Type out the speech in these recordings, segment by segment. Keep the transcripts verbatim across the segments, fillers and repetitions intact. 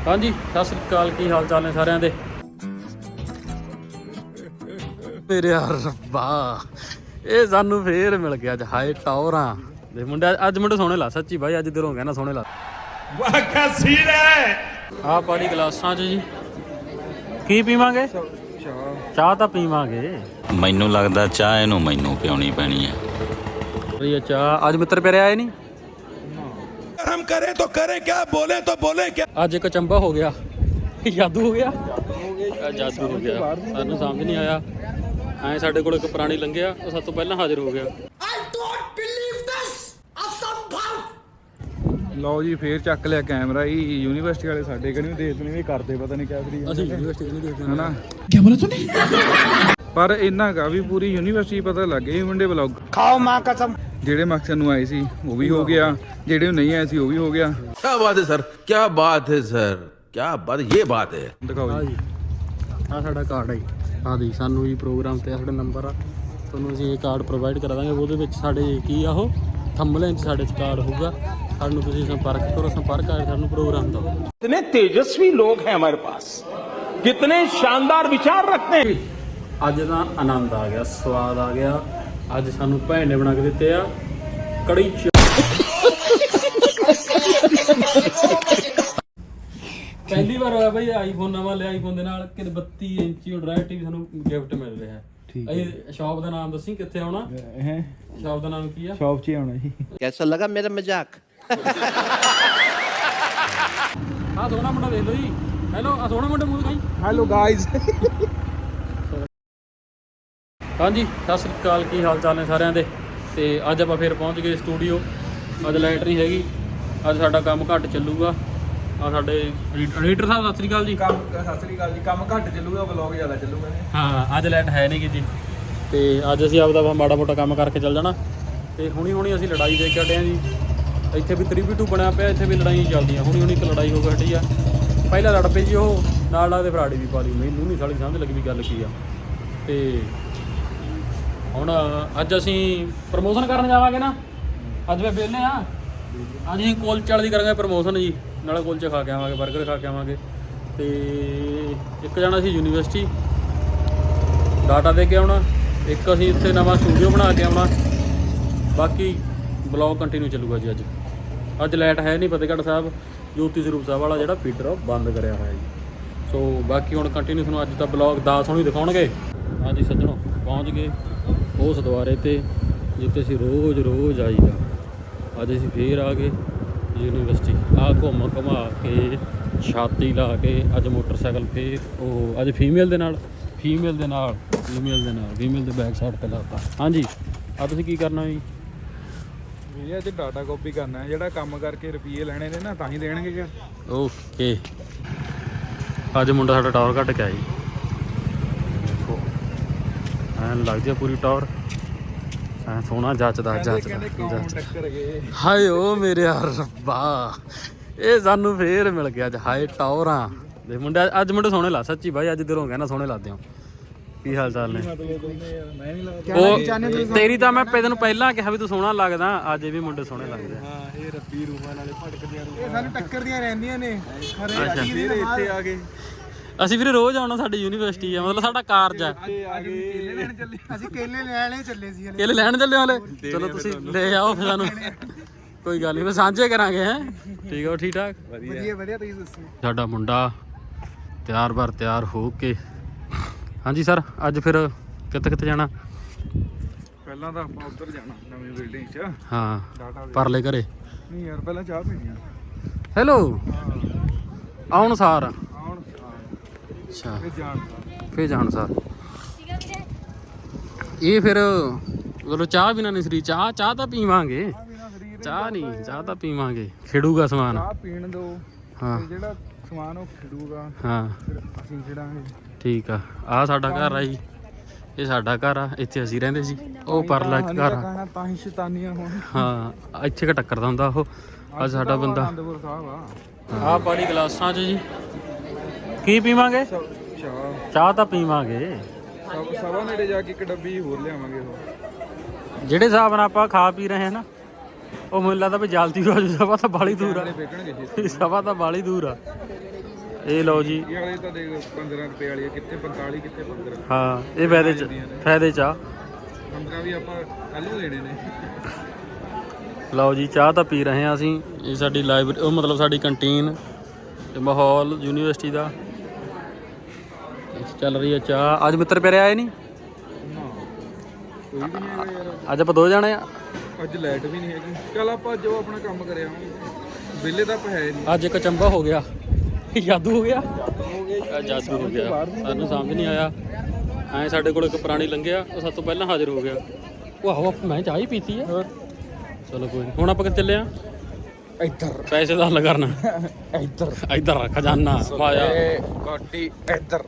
हाँ जी सत श्री अकाल, की हाल चाल ने सारिਆਂ ਦੇ। मेरे यार रब्बा ਇਹ ਸਾਨੂੰ ਫੇਰ ਮਿਲ ਗਿਆ ਅੱਜ। ਹਾਏ ਟੌਰਾਂ ਦੇ ਮੁੰਡੇ ਅੱਜ ਮੁੰਡੇ ਸੋਹਣੇ ਲਾ, ਸੱਚੀ ਬਾਈ ਅੱਜ ਦਿਲੋਂ ਕਹਿਣਾ ਸੋਹਣੇ ਲਾ। ਵਾਹ ਕਾ ਸੀਰ ਹੈ। ਆਹ ਪਾਣੀ ਗਲਾਸਾਂ 'ਚ ਜੀ ਕੀ ਪੀਵਾਂਗੇ? ਚਾਹ ਤਾਂ ਪੀਵਾਂਗੇ। ਮੈਨੂੰ ਲੱਗਦਾ ਚਾਹ ਇਹਨੂੰ ਮੈਨੂੰ ਪਿਉਣੀ ਪੈਣੀ ਹੈ। ਇਹ ਚਾਹ ਅੱਜ ਮਿੱਤਰ ਪਿਆਰੇ ਆਏ ਨਹੀਂ। हम करें तो करें क्या, बोले तो बोले क्या। ਅੱਜ ਇੱਕ ਚੰਬਾ ਹੋ ਗਿਆ, ਜਾਦੂ ਹੋ ਗਿਆ, ਜਾਦੂ ਹੋ ਗਿਆ। ਸਾਨੂੰ ਸਮਝ ਨਹੀਂ ਆਇਆ। ਐਂ ਸਾਡੇ ਕੋਲ ਇੱਕ ਪੁਰਾਣੀ ਲੰਘਿਆ, ਉਹ ਸਭ ਤੋਂ ਪਹਿਲਾਂ ਹਾਜ਼ਰ ਹੋ ਗਿਆ। ਲਓ ਜੀ ਫੇਰ ਚੱਕ ਲਿਆ ਕੈਮਰਾ ਹੀ। ਯੂਨੀਵਰਸਿਟੀ ਵਾਲੇ ਸਾਡੇ ਕਰੀ ਦੇਖਦੇ ਨੇ ਵੀ ਕਰਦੇ ਪਤਾ ਨਹੀਂ ਕਿਆ ਕਰੀ ਅਸੀਂ ਯੂਨੀਵਰਸਿਟੀ ਨਹੀਂ ਦੇਖਦੇ ਹਨਾ। ਕੀ ਬੋਲਿਆ ਤੂੰ? ਪਰ ਇੰਨਾ ਕਾ ਵੀ ਪੂਰੀ ਯੂਨੀਵਰਸਿਟੀ ਪਤਾ ਲੱਗ ਗਈ ਮੁੰਡੇ ਵਲੌਗ ਖਾਓ ਮਾਂ ਕਸਮ। ਜਿਹੜੇ ਮਕਸਦ ਨੂੰ ਆਏ ਸੀ ਉਹ ਵੀ ਹੋ ਗਿਆ, ਜਿਹੜੇ ਨਹੀਂ ਆਏ ਸੀ ਉਹ ਵੀ ਹੋ ਗਿਆ। क्या बात है सर, क्या बात है सर, क्या बात, ये बात है। ਦਿਖਾਓ ਜੀ, ਆਹ ਸਾਡਾ ਕਾਰਡ ਹੈ ਜੀ। ਆਹ ਦੀ ਸਾਨੂੰ ਜੀ ਪ੍ਰੋਗਰਾਮ ਤੇ ਸਾਡਾ ਨੰਬਰ ਆ, ਤੁਹਾਨੂੰ ਅਸੀਂ ਇਹ ਕਾਰਡ ਪ੍ਰੋਵਾਈਡ ਕਰਾ ਦਾਂਗੇ। ਉਹਦੇ ਵਿੱਚ ਸਾਡੇ ਕੀ ਆ ਉਹ ਥੰਬਨੇਲ 'ਚ ਸਾਡੇ 'ਚ ਕਾਰਡ ਹੋਊਗਾ। ਸਾਨੂੰ ਤੁਸੀਂ ਸੰਪਰਕ ਕਰੋ, ਸੰਪਰਕ ਕਰਕੇ ਸਾਨੂੰ ਪ੍ਰੋਗਰਾਮ ਦਿਓ। कितने तेजस्वी लोग हैं हमारे पास, कितने शानदार विचार रखते हैं। ਅੱਜ ਦਾ ਆਨੰਦ ਆ ਗਿਆ, ਸਵਾਦ ਆ ਗਿਆ। ਅੱਜ ਸਾਨੂੰ ਭੈਣ ਨੇ ਬਣਾ ਕੇ ਦਿੱਤੇ ਆ ਕੜੀ ਚ ਪਹਿਲੀ ਵਾਰ ਹੋਇਆ ਬਈ ਆਈਫੋਨ ਨਵਾਂ ਲਿਆ। ਆਈਫੋਨ ਦੇ ਨਾਲ ਕਿ ਬੱਤੀ ਇੰਚੀ ਡਰਾਈਵ ਟੀਵੀ ਸਾਨੂੰ ਗਿਫਟ ਮਿਲ ਰਿਹਾ ਹੈ। ਇਹ ਸ਼ਾਪ ਦਾ ਨਾਮ ਦੱਸੀ ਕਿੱਥੇ ਆਉਣਾ ਹੈ? ਸ਼ਾਪ ਦਾ ਨਾਮ ਕੀ ਆ? ਸ਼ਾਪ 'ਚ ਹੀ ਆਉਣਾ ਜੀ। कैसा लगा मेरा मजाक? ਆਹ ਸੋਹਣਾ ਮੁੰਡਾ ਦੇਖ ਲਓ ਜੀ। ਹੈਲੋ, ਆਹ ਸੋਹਣਾ ਮੁੰਡਾ ਮੂੰਹ ਦਿਖਾਈ। Hello guys. ਹਾਂਜੀ ਸਤਿ ਸ਼੍ਰੀ ਅਕਾਲ, ਕੀ ਹਾਲ ਚਾਲ ਨੇ ਸਾਰਿਆਂ ਦੇ। ਤੇ ਅੱਜ ਆਪਾਂ ਫਿਰ ਪਹੁੰਚ ਗਏ ਸਟੂਡੀਓ। ਅੱਜ ਲਾਈਟ ਨਹੀਂ ਹੈਗੀ, ਅੱਜ ਸਾਡਾ ਕੰਮ ਘੱਟ ਚੱਲੂਗਾ। ਆ ਸਾਡੇ ਐਡੀਟਰ ਸਾਹਿਬ ਸਤਿ ਸ਼੍ਰੀ ਅਕਾਲ ਜੀ। ਕੰਮ ਸਤਿ ਸ੍ਰੀ ਅਕਾਲ ਜੀ। ਕੰਮ ਘੱਟ ਚੱਲੂਗਾ, ਵਲੌਗ ਜ਼ਿਆਦਾ ਚੱਲੂਗਾ। ਹਾਂ ਅੱਜ ਲਾਈਟ ਹੈ ਨਹੀਂ ਗੀ ਜੀ। ਤੇ ਅੱਜ ਅਸੀਂ ਆਪਦਾ ਮਾੜਾ ਮੋਟਾ ਕੰਮ ਕਰਕੇ ਚੱਲ ਜਾਣਾ। ਤੇ ਹੁਣੀ ਹੁਣੀ ਅਸੀਂ ਲੜਾਈ ਦੇਖ ਕੇ ਹਟੇ ਹਾਂ ਜੀ। ਇੱਥੇ ਵੀ ਥ੍ਰੀ ਬੀ ਟੂ ਬਣਿਆ ਪਿਆ, ਇੱਥੇ ਵੀ ਲੜਾਈਆਂ ਚੱਲਦੀਆਂ। ਹੁਣੀ ਹੁਣੀ ਇੱਕ ਲੜਾਈ ਹੋ ਕੇ ਹਟੀ ਆ। ਪਹਿਲਾਂ ਲੜ ਪਈ ਜੀ ਉਹ ਨਾਲ ਲੱਗਦੇ ਫਰਾੜੀ ਵੀ ਪਾ ਲਈ। ਮੈਨੂੰ ਨਹੀਂ ਸਾਲੀ ਸਮਝ ਲੱਗੀ ਵੀ ਗੱਲ ਕੀ ਆ। ਤੇ ਹੁਣ ਅੱਜ ਅਸੀਂ ਪ੍ਰਮੋਸ਼ਨ ਕਰਨ ਜਾਵਾਂਗੇ ਨਾ। ਅੱਜ ਮੈਂ ਵਿਹਲੇ ਆ। ਅੱਜ ਅਸੀਂ ਕੁਲਚੇ ਵਾਲੀ ਦੀ ਕਰਾਂਗੇ ਪ੍ਰਮੋਸ਼ਨ ਜੀ। ਨਾਲੇ ਕੁਲਚੇ ਖਾ ਕੇ ਆਵਾਂਗੇ, ਬਰਗਰ ਖਾ ਕੇ ਆਵਾਂਗੇ। ਤੇ ਇੱਕ ਜਾਣਾ ਅਸੀਂ ਯੂਨੀਵਰਸਿਟੀ ਡਾਟਾ ਦੇ ਕੇ ਆਉਣਾ, ਇੱਕ ਅਸੀਂ ਇੱਥੇ ਨਵਾਂ ਸਟੂਡੀਓ ਬਣਾ ਕੇ ਆਉਣਾ। ਬਾਕੀ ਬਲੌਗ ਕੰਟੀਨਿਊ ਚੱਲੂਗਾ ਜੀ। ਅੱਜ ਅੱਜ ਲਾਈਟ ਹੈ ਨਹੀਂ। ਫਤਿਹਗੜ੍ਹ ਸਾਹਿਬ ਜੋਤੀ ਸਰੂਪ ਸਾਹਿਬ ਵਾਲਾ ਜਿਹੜਾ ਫੀਡਰ ਉਹ ਬੰਦ ਕਰਿਆ ਹੋਇਆ ਜੀ। ਸੋ ਬਾਕੀ ਹੁਣ ਕੰਟੀਨਿਊ ਤੁਹਾਨੂੰ ਅੱਜ ਦਾ ਬਲੌਗ ਦਸ ਹੋਣੀ ਦਿਖਾਉਣਗੇ। ਹਾਂਜੀ ਸੱਜਣੋ ਪਹੁੰਚ ਗਏ ਉਸ ਦੁਆਰੇ 'ਤੇ ਜਿੱਥੇ ਅਸੀਂ ਰੋਜ਼ ਰੋਜ਼ ਆਈਦਾ। ਅੱਜ ਅਸੀਂ ਫੇਰ ਆ ਗਏ ਯੂਨੀਵਰਸਿਟੀ। ਆਹ ਘੁੰਮ ਘੁਮਾ ਕੇ ਛਾਤੀ ਲਾ ਕੇ ਅੱਜ ਮੋਟਰਸਾਈਕਲ ਫੇਰ ਉਹ ਅੱਜ ਫੀਮੇਲ ਦੇ ਨਾਲ ਫੀਮੇਲ ਦੇ ਨਾਲ ਫੀਮੇਲ ਦੇ ਨਾਲ ਫੀਮੇਲ ਦੇ ਬੈਕ ਸਾਈਡ 'ਤੇ ਲਾਤਾ। ਹਾਂਜੀ ਆ ਤੁਸੀਂ ਕੀ ਕਰਨਾ ਜੀ? ਵੀਰੇ ਅੱਜ ਡਾਟਾ ਕਾਪੀ ਕਰਨਾ ਹੈ। ਜਿਹੜਾ ਕੰਮ ਕਰਕੇ ਰੁਪਈਏ ਲੈਣੇ ਨੇ ਨਾ ਤਾਂ ਹੀ ਦੇਣਗੇ ਕਿ। ਓਕੇ ਅੱਜ ਮੁੰਡਾ ਸਾਡਾ ਟਾਵਰ ਕੱਟ ਕੇ ਆਇਆ ਜੀ। ਐਨ ਲੱਗਦੀ ਆ ਪੂਰੀ ਟਾਵਰ, ਐ ਸੋਹਣਾ ਜੱਚਦਾ ਜੱਚਦਾ। ਹਾਏ ਓ ਮੇਰੇ ਯਾਰ ਰੱਬਾ ਇਹ ਸਾਨੂੰ ਫੇਰ ਮਿਲ ਗਿਆ ਅੱਜ। ਹਾਏ ਟਾਵਰਾਂ ਦੇ ਮੁੰਡੇ ਅੱਜ ਮੁੰਡੇ ਸੋਹਣੇ ਲਾ, ਸੱਚੀ ਬਾਈ ਅੱਜ ਦਿਲੋਂ ਕਹਿਣਾ ਸੋਹਣੇ ਲੱਗਦੇ ਹੋ। ਕੀ ਹਾਲ ਚਾਲ ਨੇ? ਉਹ ਤੇਰੀ ਤਾਂ ਮੈਂ ਤੈਨੂੰ ਪਹਿਲਾਂ ਕਿਹਾ ਵੀ ਤੂੰ ਸੋਹਣਾ ਲੱਗਦਾ। ਅੱਜ ਇਹ ਵੀ ਮੁੰਡੇ ਸੋਹਣੇ ਲੱਗਦੇ ਆ। ਹਾਂ ਇਹ ਰੱਬੀ ਰੂਹਾਂ ਨਾਲੇ ਭਟਕਦੀਆਂ ਇਹ ਸਾਨੂੰ ਟੱਕਰਦੀਆਂ ਰਹਿੰਦੀਆਂ ਨੇ। ਇੱਥੇ ਆ ਗਏ ਅਸੀਂ ਵੀਰੇ ਰੋਜ਼ ਆਉਣਾ। ਸਾਡੀ ਯੂਨੀਵਰਸਿਟੀ ਆ, ਮਤਲਬ ਸਾਡਾ ਕਾਰਜ ਆ। ਕੇਲੇ ਲੈਣ ਚੱਲੇ ਅਸੀਂ। ਕੇਲੇ ਲੈਣੇ ਚੱਲੇ ਸੀ। ਕੇਲੇ ਲੈਣ ਚੱਲੇ ਹਾਲੇ। ਚਲੋ ਤੁਸੀਂ ਲੈ ਆਓ ਫਿਰ ਸਾਨੂੰ। ਕੋਈ ਗੱਲ ਨਹੀਂ, ਫਿਰ ਸਾਂਝੇ ਕਰਾਂਗੇ। ਹੈ ਠੀਕ ਆ, ਠੀਕ ਠਾਕ, ਵਧੀਆ ਵਧੀਆ। ਤੁਸੀਂ ਦੱਸੋ। ਸਾਡਾ ਮੁੰਡਾ ਤਿਆਰ ਬਰ ਤਿਆਰ ਹੋ ਕੇ। ਹਾਂਜੀ ਸਰ ਅੱਜ ਫਿਰ ਕਿੱਥੇ ਕਿੱਥੇ ਜਾਣਾ? ਪਹਿਲਾਂ ਤਾਂ ਆਪਾਂ ਉੱਧਰ ਜਾਣਾ ਨਵੀਂ ਬਿਲਡਿੰਗ 'ਚ। ਹਾਂ ਪਰਲੇ ਘਰੇ। ਨਹੀਂ ਯਾਰ ਪਹਿਲਾਂ ਚਾਹ ਪੀਣੀ ਆ। ਹੈਲੋ ਆਉਣ ਸਾਰ। ਆਉਣ ਅੱਛਾ ਫਿਰ ਜਾਣ ਸਾਰ। ਫਿਰ ਜਾਣ ਸਾਰ ਇਹ ਫਿਰ ਚਲੋ ਚਾਹ ਬਿਨਾਂ ਨਹੀਂ ਸਰੀ। ਚਾਹ ਚਾਹ ਤਾਂ ਪੀਵਾਂਗੇ, ਚਾਹ ਨਹੀਂ ਚਾਹ ਤਾਂ ਪੀਵਾਂਗੇ। ਖਿੜੂਗਾ ਸਮਾਨ। ਚਾਹ ਪੀਣ ਦੋ। ਹਾਂ ਜਿਹੜਾ ਸਮਾਨ ਉਹ ਖਿੜੂਗਾ। ਹਾਂ ਫਿਰ ਅਸੀਂ ਖਿੜਾਂਗੇ। ਠੀਕ ਆ। ਆਹ ਸਾਡਾ ਘਰ ਆ ਜੀ, ਇਹ ਸਾਡਾ ਘਰ ਆ। ਇੱਥੇ ਅਸੀਂ ਰਹਿੰਦੇ ਸੀ। ਉਹ ਪਰਲਾ ਇੱਕ ਘਰ ਆ। ਤਾਂ ਹੀ ਸ਼ੈਤਾਨੀਆਂ ਹੋਣ। ਹਾਂ ਇੱਥੇ ਕ ਟੱਕਰਦਾ ਹੁੰਦਾ ਉਹ। ਅੱਜ ਸਾਡਾ ਬੰਦਾ ਆਨੰਦਪੁਰ ਸਾਹਿਬ ਆ। ਆਹ ਪਾਣੀ ਗਲਾਸਾਂ 'ਚ ਜੀ। ਕੀ ਪੀਵਾਂਗੇ? ਚਾਹ ਚਾਹ ਤਾਂ ਪੀਵਾਂਗੇ। ਸਵਾ ਨੇੜੇ ਜਾ ਕੇ ਇੱਕ ਡੱਬੀ ਹੋਰ ਲਿਆਵਾਂਗੇ। ਉਹ ਜਿਹੜੇ ਹਿਸਾਬ ਨਾਲ ਆਪਾਂ ਖਾ ਪੀ ਰਹੇ ਹਾਂ ਨਾ, ਉਹ ਮੈਨੂੰ ਲੱਗਦਾ ਵੀ ਜਲਦੀ ਹੋ ਜੂ। ਸਭਾ ਤਾਂ ਬਾਲੀ ਦੂਰ ਆ। ਸਭਾ ਤਾਂ ਬਾਲੀ ਦੂਰ ਆ। ਇਹ ਲਓ ਜੀ। ਇਹ ਵਾਲੇ ਤਾਂ ਦੇਖ ਪੰਦਰਾਂ ਰੁਪਏ ਵਾਲੀ ਆ, ਕਿੱਥੇ ਪੰਤਾਲੀ ਕਿੱਥੇ ਪੰਦਰਾਂ। ਹਾਂ ਇਹ ਫਾਇਦੇ ਚ ਫਾਇਦੇ ਚ ਆ। ਪੰਦਰਾਂ ਵੀ ਆਪਾਂ ਕੱਲ ਨੂੰ ਲੈਣੇ ਨੇ। ਲਓ ਜੀ ਚਾਹ ਤਾਂ ਪੀ ਰਹੇ ਹਾਂ ਅਸੀਂ। ਇਹ ਸਾਡੀ ਲਾਇਬ੍ਰੇਰੀ ਉਹ ਮਤਲਬ ਸਾਡੀ ਕੰਟੀਨ ਤੇ ਮਾਹੌਲ ਯੂਨੀਵਰਸਿਟੀ ਦਾ ਚੱਲ ਰਹੀ ਹੈ ਚਾਹ। ਅੱਜ ਮਿੱਤਰ ਪਿਆਰੇ ਆਏ ਨਹੀਂ? ਕੋਈ ਵੀ ਨਹੀਂ ਹੈਗਾ ਯਾਰ ਅੱਜ ਆਪਾਂ ਦੋ ਜਾਣੇ ਆ। ਅੱਜ ਲਾਈਟ ਵੀ ਨਹੀਂ ਹੈਗੀ। ਚੱਲ ਆਪਾਂ ਜੋ ਆਪਣਾ ਕੰਮ ਕਰਿਆ ਵਿਹਲੇ ਤਾਂ ਆਪਾਂ ਹੈ ਨਹੀਂ। ਅੱਜ ਇੱਕ ਚੰਬਾ ਹੋ ਗਿਆ, ਜਾਦੂ ਹੋ ਗਿਆ, ਜਾਦੂ ਹੋ ਗਿਆ। ਸਾਨੂੰ ਸਮਝ ਨਹੀਂ ਆਇਆ। ਐਂ ਸਾਡੇ ਕੋਲ ਇੱਕ ਪੁਰਾਣੀ ਲੰਘਿਆ, ਉਹ ਸਭ ਤੋਂ ਪਹਿਲਾਂ ਹਾਜ਼ਰ ਹੋ ਗਿਆ। ਉਹ ਆਹੋ ਮੈਂ ਚਾਹ ਹੀ ਪੀਤੀ ਆ। ਚਲੋ ਕੋਈ ਨਹੀਂ। ਹੁਣ ਆਪਾਂ ਕਿੱਥੇ ਚੱਲੇ ਆ? ਇੱਧਰ ਪੈਸੇ ਦਾ ਹੱਲ ਕਰਨਾ। ਇੱਧਰ ਇੱਧਰ ਖਜ਼ਾਨਾ ਮਾਇਆ ਗਾਡੀ ਇੱਧਰ।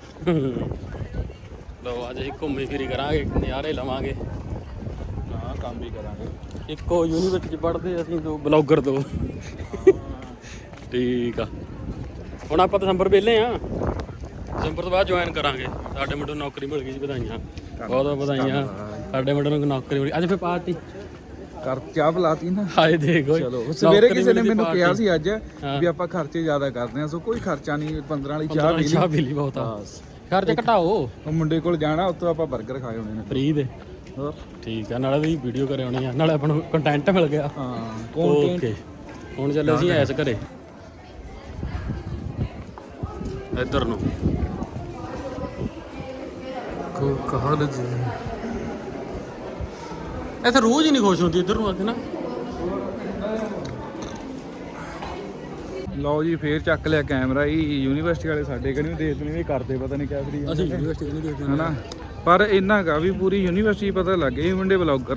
ਲਓ ਅੱਜ ਅਸੀਂ ਘੁੰਮੀ ਫਿਰੀ ਕਰਾਂਗੇ, ਨਜ਼ਾਰੇ ਲਵਾਂਗੇ। ਹਾਂ ਕੰਮ ਵੀ ਕਰਾਂਗੇ। ਇੱਕੋ ਯੂਨੀਵਰਸਿਟੀ 'ਚ ਪੜ੍ਹਦੇ ਅਸੀਂ ਦੋ ਬਲੌਗਰ ਦੋ। ਠੀਕ ਆ। ਹੁਣ ਆਪਾਂ ਦਸੰਬਰ ਵਿਹਲੇ ਆ। ਦਸੰਬਰ ਤੋਂ ਬਾਅਦ ਜੁਆਇਨ ਕਰਾਂਗੇ। ਸਾਡੇ ਮੁੰਡੇ ਨੂੰ ਨੌਕਰੀ ਮਿਲ ਗਈ ਜੀ, ਵਧਾਈਆਂ ਬਹੁਤ ਬਹੁਤ ਵਧਾਈਆਂ। ਸਾਡੇ ਮੁੰਡੇ ਨੂੰ ਨੌਕਰੀ ਮਿਲ ਗਈ। ਅੱਜ ਫਿਰ ਪਾਰਟੀ ਕਰ ਚਾਹ ਬੁਲਾਤੀ ਨਾ। ਹਾਏ ਦੇਖੋ ਚਲੋ ਸਵੇਰੇ ਕਿਸੇ ਨੇ ਮੈਨੂੰ ਕਿਹਾ ਸੀ ਅੱਜ ਵੀ ਆਪਾਂ ਖਰਚੇ ਜ਼ਿਆਦਾ ਕਰਦੇ ਆ, ਸੋ ਕੋਈ ਖਰਚਾ ਨਹੀਂ। ਪੰਦਰਾਂ ਵਾਲੀ ਚਾਹ ਪੀ ਲਈ। ਚਾਹ ਪੀ ਲਈ ਬਹੁਤ ਆ। ਖਰਚੇ ਘਟਾਓ। ਉਹ ਮੁੰਡੇ ਕੋਲ ਜਾਣਾ, ਉੱਥੋਂ ਆਪਾਂ 버ਗਰ ਖਾਏ ਹੋਣੇ ਨੇ ਫ੍ਰੀ ਦੇ। ਹੋਰ ਠੀਕ ਆ। ਨਾਲੇ ਵੀ ਵੀਡੀਓ ਕਰੇ ਆਉਣੀ ਆ, ਨਾਲੇ ਆਪਾਂ ਨੂੰ ਕੰਟੈਂਟ ਮਿਲ ਗਿਆ। ਹਾਂ ਓਕੇ ਹੁਣ ਚੱਲੇ ਅਸੀਂ ਐਸ ਘਰੇ ਇੱਧਰ ਨੂੰ ਕੋ ਕਹਾਲ ਜੀ। ਇੱਥੇ ਰੋਜ਼ ਹੀ ਨਹੀਂ ਖੁਸ਼ ਹੁੰਦੀ ਇੱਧਰ ਨੂੰ ਆ ਕੇ ਨਾ। ਲਓ ਜੀ ਫੇਰ ਚੱਕ ਲਿਆ ਕੈਮਰਾ ਹੀ। ਯੂਨੀਵਰਸਿਟੀ ਵਾਲੇ ਸਾਡੇ ਕਿਹੜੀ ਦੇਖਦੇ ਨੇ ਵੀ ਕਰਦੇ ਪਤਾ ਨਹੀਂ ਕਿਆ ਫਰੀ ਅਸੀਂ ਯੂਨੀਵਰਸਿਟੀ ਨਹੀਂ ਦੇਖਦੇ ਹਨਾ। ਪਰ ਇੰਨਾ ਕਾ ਵੀ ਪੂਰੀ ਯੂਨੀਵਰਸਿਟੀ ਪਤਾ ਲੱਗ ਗਈ ਮੁੰਡੇ ਬਲੌਗਰ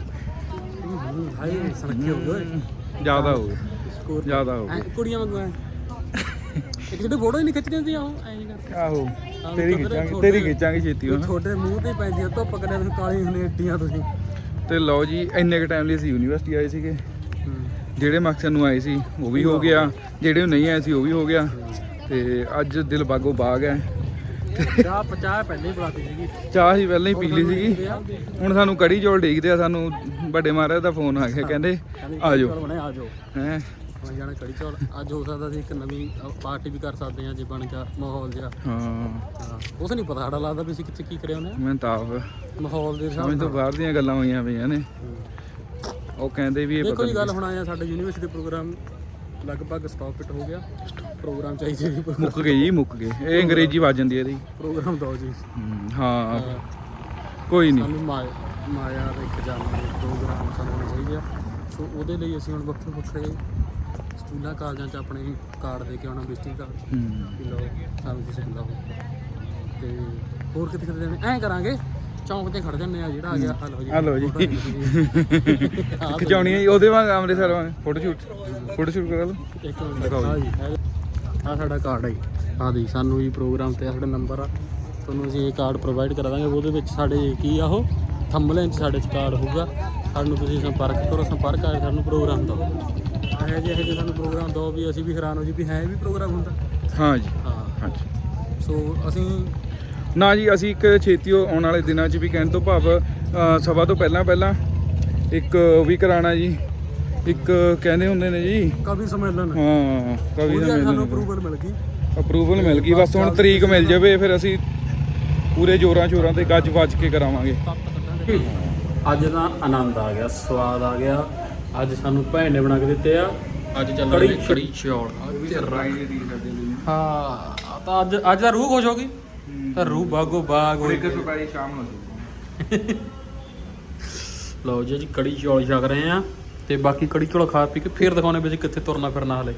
ਹਾਏ ਸੜਕੇ ਹੋ ਗਏ ਜ਼ਿਆਦਾ ਹੋ ਗਏ ਜ਼ਿਆਦਾ ਹੋ ਗਏ। ਕੁੜੀਆਂ ਵਾਂਗੂ ਐ ਇੱਕ ਜਿਹੜੇ ਫੋਟੋ ਹੀ ਨਹੀਂ ਖਿੱਚਦੇ ਹੁੰਦੇ ਆਹੋ ਐਂ ਕਰਕੇ। ਆਹੋ ਤੇਰੀ ਖਿੱਚਾਂਗੇ ਤੇਰੀ ਖਿੱਚਾਂਗੇ ਛੇਤੀ ਹੁਣ। ਤੁਹਾਡੇ ਮੂੰਹ ਤੇ ਪੈਂਦੀ ਆ ਧੁੱਪ ਕਦੇ ਤੁਸੀਂ ਕਾਲੀ ਹੁੰਦੇ ਏਡੀਆਂ ਤੁਸੀਂ। ਤੇ ਲਓ ਜੀ ਇੰਨੇ ਕ ਟਾਈਮ ਲਈ ਅਸੀਂ ਯੂਨੀਵਰਸਿਟੀ ਆਏ ਸੀਗੇ। ਜਿਹੜੇ ਮਕਸਦ ਨੂੰ ਆਏ ਸੀ ਉਹ ਵੀ ਹੋ ਗਿਆ, ਜਿਹੜੇ ਨਹੀਂ ਆਏ ਸੀ ਉਹ ਵੀ ਹੋ ਗਿਆ। ਤੇ ਅੱਜ ਦਿਲ ਬਾਗੋ ਬਾਗ ਹੈ। ਚਾਹ ਪਚਾਹ ਪਹਿਲੇ ਹੀ ਬੁਲਾਤੀ ਸੀਗੀ। ਚਾਹ ਹੀ ਪਹਿਲਾਂ ਹੀ ਪੀ ਲਈ ਸੀਗੀ। ਹੁਣ ਸਾਨੂੰ ਕੜੀ ਚੌਲ ਡੀਕਦੇ ਆ। ਸਾਨੂੰ ਵੱਡੇ ਮਹਾਰਾਜ ਦਾ ਫੋਨ ਆ ਗਿਆ, ਕਹਿੰਦੇ ਆ ਜਾਓ ਆ ਜਾਓ ਹੈਂ। ਬਣ ਜਾਣਾ ਕੜੀ ਚੌਲ। ਅੱਜ ਹੋ ਸਕਦਾ ਸੀ ਇੱਕ ਨਵੀਂ ਪਾਰਟੀ ਵੀ ਕਰ ਸਕਦੇ ਹਾਂ ਜੇ ਬਣ ਗਿਆ ਮਾਹੌਲ ਜਿਹਾ। ਹਾਂ ਹਾਂ ਉਸ ਨਹੀਂ ਪਤਾ ਸਾਡਾ ਲੱਗਦਾ ਵੀ ਅਸੀਂ ਕਿੱਥੇ ਕੀ ਕਰਿਆ ਉਹਨੇ ਮੈਂ ਤਾਂ ਆਪ ਮਾਹੌਲ ਦੇ ਹਿਸਾਬ ਸਮਝ ਤੋਂ ਬਾਹਰ ਦੀਆਂ ਗੱਲਾਂ ਹੋਈਆਂ ਪਈਆਂ ਨੇ। ਉਹ ਕਹਿੰਦੇ ਵੀ ਇਹ ਦੇਖੋ ਪਤਾ ਜੀ ਗੱਲ ਹੁਣ ਆਇਆ ਸਾਡੇ ਯੂਨੀਵਰਸਿਟੀ ਪ੍ਰੋਗਰਾਮ ਲਗਭਗ ਸਟਾਪ ਇਟ ਹੋ ਗਿਆ। ਪ੍ਰੋਗਰਾਮ ਚਾਹੀਦੇ ਜੀ। ਮੁੱਕ ਗਏ ਜੀ ਮੁੱਕ ਗਏ। ਇਹ ਅੰਗਰੇਜ਼ੀ ਵੱਜ ਜਾਂਦੀ ਹੈ ਇਹਦੀ। ਪ੍ਰੋਗਰਾਮ ਦੋ ਜੀ। ਹਾਂ ਕੋਈ ਨਹੀਂ। ਸਾਨੂੰ ਮਾਇਆ ਮਾਇਆ ਦਾ ਇੱਕ ਜਾਣਾ ਪ੍ਰੋਗਰਾਮ ਸਾਨੂੰ ਹੋਣੇ ਚਾਹੀਦੇ ਆ। ਸੋ ਉਹਦੇ ਲਈ ਅਸੀਂ ਹੁਣ ਵੱਖਰੇ ਵੱਖਰੇ ਸਕੂਲਾਂ ਕਾਲਜਾਂ 'ਚ ਆਪਣੇ ਕਾਰਡ ਦੇ ਕੇ ਆਉਣਾ, ਵਿਜ਼ਿਟਿੰਗ ਕਾਰਡ ਕਿ ਲਓ ਸਾਨੂੰ ਤੁਸੀਂ ਬੁਲਾਓ। ਤੇ ਹੋਰ ਕਿਤੇ ਕਿਤੇ ਜਾਣੇ ਐਂ ਕਰਾਂਗੇ ਚੌਂਕ ਤੇ ਖੜ ਜਾਂਦੇ ਆ। ਜਿਹੜਾ ਆ ਗਿਆ ਹਲੋ ਜੀ ਹਲੋ ਜੀ ਖਿਚਾਉਣੀ ਹੈ ਜੀ ਉਹਦੇ ਵਾਂਗ ਅੰਮ੍ਰਿਤਸਰ ਵਾਂਗ ਫੋਟੋ ਸ਼ੂਟ ਫੋਟੋ ਸ਼ੂਟ ਕਰਾ ਲਓ। ਇੱਕ ਮਿੰਟ ਆ ਜੀ ਆ ਸਾਡਾ ਕਾਰਡ ਹੈ ਜੀ। ਆ ਦੀ ਸਾਨੂੰ ਜੀ ਪ੍ਰੋਗਰਾਮ ਤੇ ਸਾਡਾ ਨੰਬਰ ਆ। ਤੁਹਾਨੂੰ ਅਸੀਂ ਇਹ ਕਾਰਡ ਪ੍ਰੋਵਾਈਡ ਕਰਾ ਦਾਂਗੇ। ਉਹਦੇ ਵਿੱਚ ਸਾਡੇ ਕੀ ਆ ਉਹ ਥੰਬਨੇਲ 'ਚ ਸਾਡੇ 'ਚ ਕਾਰਡ ਹੋਊਗਾ। ਸਾਨੂੰ ਤੁਸੀਂ ਸੰਪਰਕ ਕਰੋ। ਸੰਪਰਕ ਆ ਸਾਨੂੰ ਪ੍ਰੋਗਰਾਮ ਦਿਓ। ਇਹੋ ਜਿਹੇ ਇਹੋ ਜਿਹੇ ਸਾਨੂੰ ਪ੍ਰੋਗਰਾਮ ਦਿਓ ਵੀ ਅਸੀਂ ਵੀ ਹੈਰਾਨ ਹੋ ਜੀ ਵੀ ਹੈ ਵੀ ਪ੍ਰੋਗਰਾਮ ਹੁੰਦਾ। ਹਾਂ ਜੀ ਹਾਂ ਹਾਂਜੀ। ਸੋ ਅਸੀਂ ਨਾ ਜੀ ਅਸੀਂ ਇੱਕ ਛੇਤੀ ਆਉਣ ਵਾਲੇ ਦਿਨਾਂ 'ਚ ਵੀ ਕਹਿਣ ਤੋਂ ਭਾਵ ਸਭਾ ਤੋਂ ਪਹਿਲਾਂ ਪਹਿਲਾਂ ਇੱਕ ਵੀ ਕਰਾਉਣਾ ਜੀ। ਇੱਕ ਕਹਿੰਦੇ ਹੁੰਦੇ ਨੇ ਜੀ ਕਵੀ ਸੰਮੇਲਨ। ਹਾਂ ਕਵੀ ਸਾਨੂੰ ਸੰਮੇਲਨ ਅਪਰੂਵਲ ਮਿਲ ਗਈ। ਅਪਰੂਵਲ ਮਿਲ ਗਈ। ਬਸ ਹੁਣ ਤਰੀਕ ਮਿਲ ਜਾਵੇ ਫਿਰ ਅਸੀਂ ਪੂਰੇ ਜ਼ੋਰਾਂ ਸ਼ੋਰਾਂ ਤੇ ਗੱਜ ਵੱਜ ਕੇ ਕਰਾਵਾਂਗੇ। ਅੱਜ ਦਾ ਆਨੰਦ ਆ ਗਿਆ, ਸਵਾਦ ਆ ਗਿਆ। ਅੱਜ ਸਾਨੂੰ ਭੈਣ ਨੇ ਬਣਾ ਕੇ ਦਿੱਤੇ ਆ। ਅੱਜ ਚੱਲਾਂਗੇ ਕੜੀ ਚੌਲ। ਹਾਂ ਤਾਂ ਅੱਜ ਅੱਜ ਦਾ ਰੂਹ ਖੁਸ਼ ਹੋ ਗਈ। ਤਾਂ ਰੂਹ ਬਾਗੋ ਬਾਗ ਹੋਈ। ਸ਼ਾਮ ਨੂੰ ਲਓ ਜੀ ਜੀ ਕੜੀ ਚੌਲ ਛਕ ਰਹੇ ਆ। ਤੇ ਬਾਕੀ ਕੜੀ ਚੌਲ ਖਾ ਪੀ ਕੇ ਫੇਰ ਦਿਖਾਉਣੇ ਵੀ ਕਿੱਥੇ ਤੁਰਨਾ ਫਿਰਨਾ ਹਲੇ।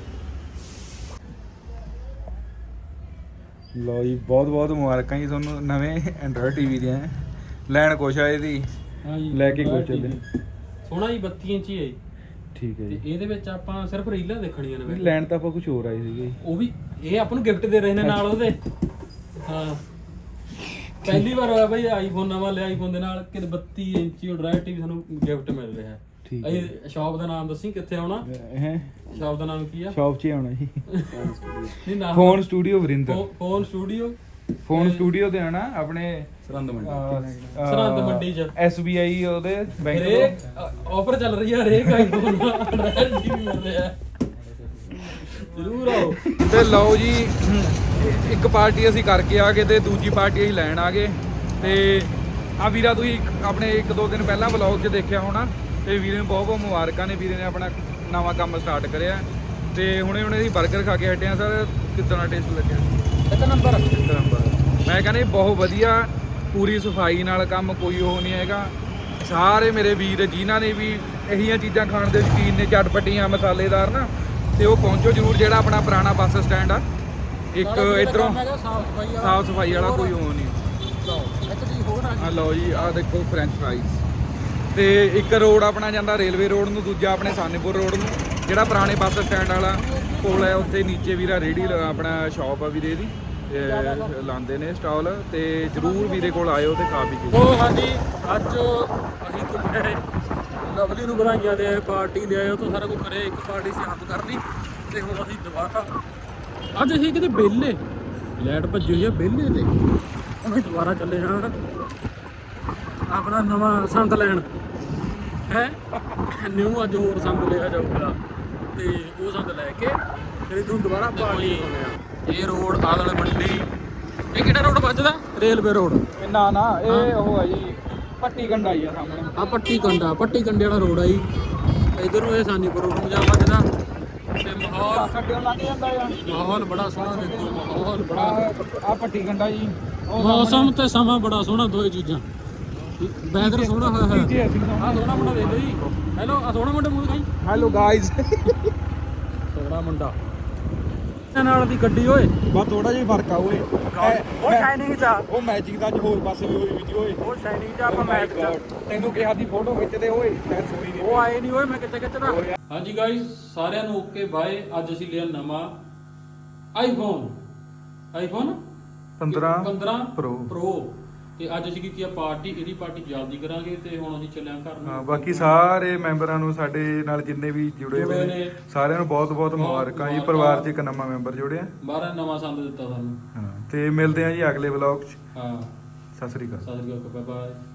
ਲਓ ਜੀ ਬਹੁਤ ਬਹੁਤ ਮੁਬਾਰਕਾਂ ਜੀ ਤੁਹਾਨੂੰ ਨਵੇਂ ਐਂਡਰੋਇਡ ਟੀਵੀ ਦੀਆਂ। ਲੈਣ ਕੁਛ ਆ ਇਹਦੀ ਲੈ ਕੇ ਕੁਛ ਚੱਲੇ। ਸੋਹਣਾ ਜੀ ਬੱਤੀ ਇੰਚੀ ਹੈ। ਠੀਕ ਹੈ ਤੇ ਜੀ। ਇਹਦੇ ਵਿੱਚ ਆਪਾਂ ਸਿਰਫ ਰੀਲਾਂ ਦੇਖਣੀਆਂ ਨੇ। ਲੈਣ ਤਾਂ ਆਪਾਂ ਕੁਝ ਹੋਰ ਆਏ ਸੀਗੇ। ਉਹ ਵੀ ਇਹ ਆਪਾਂ ਨੂੰ ਗਿਫਟ ਦੇ ਰਹੇ ਨੇ ਨਾਲ ਉਹਦੇ। ਹਾਂ ਪਹਿਲੀ ਵਾਰ ਹੋਇਆ ਬਈ ਆਈਫੋਨ ਨਵਾਂ ਲਿਆ। ਆਈਫੋਨ ਦੇ ਨਾਲ ਕਿ ਬੱਤੀ ਇੰਚੀ ਐਂਡਰੋਇਡ ਟੀਵੀ ਸਾਨੂੰ ਗਿਫਟ ਮਿਲ ਰਿਹਾ ਹੈ। ਠੀਕ ਇਹ ਸ਼ਾਪ ਦਾ ਨਾਮ ਦੱਸੀ ਕਿੱਥੇ ਆਉਣਾ? ਹੈ ਸ਼ਾਪ ਦਾ ਨਾਮ ਕੀ ਆ? ਸ਼ਾਪ 'ਚ ਆਉਣਾ ਜੀ। ਨਹੀਂ ਨਾਮ phone studio Varinder. Phone studio phone studio ਤੇ ਆਣਾ ਆਪਣੇ ਸਰਹੰਦ ਮੰਡੀ। ਸਰਹੰਦ ਮੰਡੀ 'ਚ ਐਸ ਬੀ ਆਈ ਉਹਦੇ ਬੈਂਕ ਹਰੇਕ ਆਫਰ ਚੱਲ ਰਹੀ ਆ। ਹਰੇਕ ਆਈਫੋਨ ਦਾ ਐਂਡਰੋਇਡ ਟੀਵੀ ਮਿਲ ਰਿਹਾ। ਜ਼ਰੂਰ ਆਓ। ਤੇ ਲਓ ਜੀ ਇੱਕ ਪਾਰਟੀ ਅਸੀਂ ਕਰਕੇ ਆ ਗਏ ਤੇ ਦੂਜੀ ਪਾਰਟੀ ਅਸੀਂ ਲੈਣ ਆ ਗਏ। ਤੇ ਆ ਵੀਰਾ ਤੁਸੀਂ ਆਪਣੇ ਇੱਕ ਦੋ ਦਿਨ ਪਹਿਲਾਂ ਵਲੌਗ 'ਚ ਦੇਖਿਆ ਹੋਣਾ ਤੇ ਵੀਰੇ ਨੂੰ ਬਹੁਤ ਬਹੁਤ ਮੁਬਾਰਕਾਂ ਨੇ। ਵੀਰੇ ਨੇ ਆਪਣਾ ਨਵਾਂ ਕੰਮ ਸਟਾਰਟ ਕਰਿਆ ਤੇ ਹੁਣੇ ਹੁਣੇ ਅਸੀਂ 버ਗਰ ਖਾ ਕੇ ਹਟੇ ਆ ਸਰ। ਕਿੱਦਾਂ ਦਾ ਟੇਸਟ ਲੱਗਿਆ? ਇੱਕ ਨੰਬਰ ਇੱਕ ਨੰਬਰ। ਮੈਂ ਕਹਿੰਦਾ ਬਹੁਤ ਵਧੀਆ, ਪੂਰੀ ਸਫਾਈ ਨਾਲ ਕੰਮ, ਕੋਈ ਉਹ ਨਹੀਂ ਹੈਗਾ। ਸਾਰੇ ਮੇਰੇ ਵੀਰ ਜਿਨ੍ਹਾਂ ਨੇ ਵੀ ਇਹੀਆਂ ਚੀਜ਼ਾਂ ਖਾਣ ਦੇ ਸ਼ੌਕੀਨ ਨੇ, ਚਟਪਟੀਆਂ ਮਸਾਲੇਦਾਰ ਨਾ, ਤੇ ਉਹ ਪਹੁੰਚੋ ਜ਼ਰੂਰ। ਜਿਹੜਾ ਆਪਣਾ ਪੁਰਾਣਾ ਬੱਸ ਸਟੈਂਡ ਆ, ਇੱਕ ਇੱਧਰੋਂ ਸਾਫ ਸਫਾਈ ਵਾਲਾ ਕੋਈ ਉਹ ਨਹੀਂ। ਆ ਲਓ ਜੀ, ਆ ਦੇਖੋ ਫਰੈਂਚ ਫਰਾਈਜ਼। ਤੇ ਇੱਕ ਰੋਡ ਆਪਣਾ ਜਾਂਦਾ ਰੇਲਵੇ ਰੋਡ ਨੂੰ, ਦੂਜਾ ਆਪਣੇ ਸਾਨੇਪੁਰ ਰੋਡ ਨੂੰ, ਜਿਹੜਾ ਪੁਰਾਣੇ ਬੱਸ ਸਟੈਂਡ ਵਾਲਾ ਕੋਲ ਹੈ। ਉੱਥੇ ਨੀਚੇ ਵੀਰਾ ਰੇਹੜੀ ਆਪਣਾ ਸ਼ਾਪ ਆ ਵੀਰੇ ਦੀ, ਲਾਉਂਦੇ ਨੇ ਸਟਾਲ। ਤੇ ਜ਼ਰੂਰ ਵੀਰੇ ਕੋਲ ਆਇਓ ਤੇ ਖਾ ਪੀ ਕੇ। ਉਹ ਹਾਂਜੀ, ਅੱਜ ਅਸੀਂ ਘੁੰਮੇ, ਲਵਲੀ ਨੂੰ ਵਧਾਈਆਂ ਦੇ ਆਏ, ਪਾਰਟੀ ਦੇ ਆਏ, ਉਹ ਤੋਂ ਸਾਰਾ ਕੁਝ ਕਰੇ। ਇੱਕ ਪਾਰਟੀ ਸੀ ਆਪ ਕਰਨੀ ਤੇ ਹੁਣ ਅਸੀਂ ਦੁਬਾਰਾ ਅੱਜ ਅਸੀਂ ਕਿਤੇ ਵਿਹਲੇ, ਲਾਈਟ ਭੱਜੀ ਹੋਈ ਆ ਵਿਹਲੇ ਤੇ ਹੁਣ ਅਸੀਂ ਦੁਬਾਰਾ ਚੱਲੇ ਹਾਂ ਆਪਣਾ ਨਵਾਂ ਸੰਦ ਲੈਣ ਹੈ। ਨਿਊ ਅੱਜ ਹੋਰ ਸੰਦ ਲਿਆ ਜਾਊਗਾ ਤੇ ਉਹ ਸੰਦ ਲੈ ਕੇ ਫਿਰ ਤੁਹਾਨੂੰ ਦੁਬਾਰਾ ਪਾਰਟੀ ਕਰਾਉਂਦੇ ਆ। ਇਹ ਰੋਡ ਆਦਲ ਮੰਡੀ, ਇਹ ਕਿਹੜਾ ਰੋਡ ਵੱਜਦਾ? ਰੇਲਵੇ ਰੋਡ ਨਾ ਨਾ, ਇਹ ਉਹ ਹੈ ਜੀ ਪੱਟੀ ਕੰਡਾ ਹੀ ਆ ਸਾਹਮਣੇ। ਆ ਪੱਟੀ ਕੰਡਾ, ਪੱਟੀ ਕੰਡੇ ਵਾਲਾ ਰੋਡ ਆ ਜੀ। ਇਧਰ ਨੂੰ ਇਹ ਸਾਨੀਪੁਰ ਰੋਡ ਨੂੰ ਜਾ ਵੱਜਦਾ ਤੇ ਮਾਹੌਲ ਕੱਢਿਓ ਲੱਗ ਜਾਂਦਾ ਆ। ਮਾਹੌਲ ਬੜਾ ਸੋਹਣਾ ਦੇਖੋ, ਮਾਹੌਲ ਬੜਾ। ਆ ਪੱਟੀ ਕੰਡਾ ਜੀ, ਮੌਸਮ ਤੇ ਸਮਾਂ ਬੜਾ ਸੋਹਣਾ, ਦੋਏ ਚੀਜ਼ਾਂ। ਵੈਦਰ ਸੋਹਣਾ ਹੋਇਆ ਹੋਇਆ। ਨੀਚੇ ਅਸੀਂ ਆ ਸੋਹਣਾ ਮੁੰਡਾ ਦੇਖ ਲਓ ਜੀ। ਹੈਲੋ, ਆ ਸੋਹਣਾ ਮੁੰਡਾ ਮੂੰਹ ਦਿਖਾਈ। Hello guys. ਸੋਹਣਾ ਮੁੰਡਾ ਨਾਲ ਦੀ ਗੱਡੀ ਓਏ, ਬਸ ਥੋੜਾ ਜਿਹਾ ਫਰਕ ਆ ਓਏ। ਉਹ ਸ਼ਾਈਨਿੰਗ ਚ ਆ, ਉਹ ਮੈਜਿਕ ਦਾ ਅੱਜ ਹੋਰ ਪਾਸੇ ਵੀ ਹੋਈ ਵੀ ਓਏ। ਉਹ ਸ਼ਾਈਨਿੰਗ ਚ ਆਪਾਂ ਮੈਚ ਚ। ਤੈਨੂੰ ਕਿਹਾ ਦੀ ਫੋਟੋ ਖਿੱਚਦੇ ਓਏ, ਮੈਂ ਸੋਈ ਨਹੀਂ। ਉਹ ਆਏ ਨਹੀਂ ਓਏ, ਮੈਂ ਕਿੱਥੇ ਖਿੱਚਦਾ। ਹਾਂਜੀ ਗਾਇਸ, ਸਾਰਿਆਂ ਨੂੰ ਓਕੇ ਬਾਏ। ਅੱਜ ਅਸੀਂ ਲਿਆ ਨਵਾਂ ਆਈਫੋਨ ਆਈਫੋਨ ਪੰਦਰਾਂ ਪੰਦਰਾਂ Pro Pro ਤੇ ਅੱਜ ਅਸੀਂ ਕੀਤੀ ਆ ਪਾਰਟੀ। ਇਹਦੀ ਪਾਰਟੀ ਜਲਦੀ ਕਰਾਂਗੇ ਤੇ ਹੁਣ ਅਸੀਂ ਚੱਲਿਆ ਘਰ ਨੂੰ। ਹਾਂ, ਬਾਕੀ ਸਾਰੇ ਮੈਂਬਰਾਂ ਨੂੰ, ਸਾਡੇ ਨਾਲ ਜਿੰਨੇ ਵੀ ਜੁੜੇ ਹੋਏ ਨੇ, ਸਾਰਿਆਂ ਨੂੰ ਬਹੁਤ ਬਹੁਤ ਮੁਬਾਰਕਾਂ ਜੀ। ਪਰਿਵਾਰ 'ਚ ਇੱਕ ਨਵਾਂ ਮੈਂਬਰ ਜੁੜਿਆ, ਬਾਹਰ ਨਵਾਂ ਸੰਦ ਦਿੱਤਾ ਸਾਨੂੰ। ਹਾਂ। ਤੇ ਮਿਲਦੇ ਆ ਜੀ ਅਗਲੇ ਵਲੌਗ 'ਚ। ਹਾਂ, ਸਤਿ ਸ੍ਰੀ ਅਕਾਲ। ਸਤਿ ਸ਼੍ਰੀ ਅਕਾਲ, ਬਾਏ ਬਾਏ।